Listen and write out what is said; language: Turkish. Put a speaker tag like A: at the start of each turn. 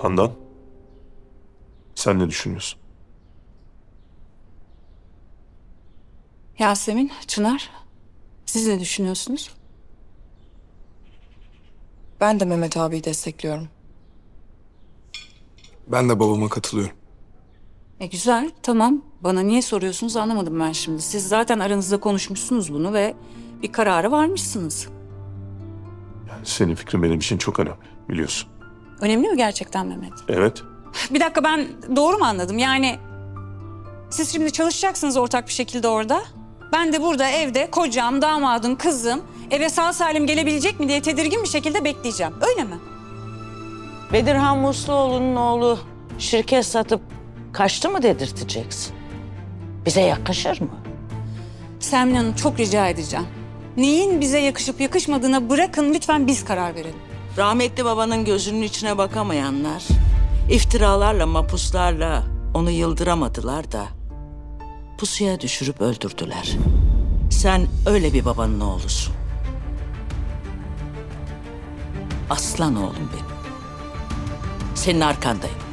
A: Handan, sen ne düşünüyorsun?
B: Yasemin, Çınar, siz ne düşünüyorsunuz?
C: Ben de Mehmet abiyi destekliyorum.
D: Ben de babama katılıyorum.
B: Güzel, tamam. Bana niye soruyorsunuz anlamadım ben şimdi. Siz zaten aranızda konuşmuşsunuz bunu ve bir karara varmışsınız.
A: Yani senin fikrin benim için çok önemli, biliyorsun.
B: Önemli mi gerçekten Mehmet?
A: Evet,
B: Bir dakika, ben doğru mu anladım? Yani siz şimdi çalışacaksınız ortak bir şekilde orada. Ben de burada evde kocam, damadım, kızım eve sağ salim gelebilecek mi diye tedirgin bir şekilde bekleyeceğim. Öyle mi?
E: Bedirhan Musluoğlu'nun oğlu şirket satıp kaçtı mı dedirteceksin? Bize yakışır mı?
B: Sermin Hanım, çok rica edeceğim. Neyin bize yakışıp yakışmadığına bırakın, lütfen biz karar verelim.
E: Rahmetli babanın gözünün içine bakamayanlar, iftiralarla, mapuslarla onu yıldıramadılar da pusuya düşürüp öldürdüler. Sen öyle bir babanın oğlusun. Aslan oğlum benim. Senin arkandayım.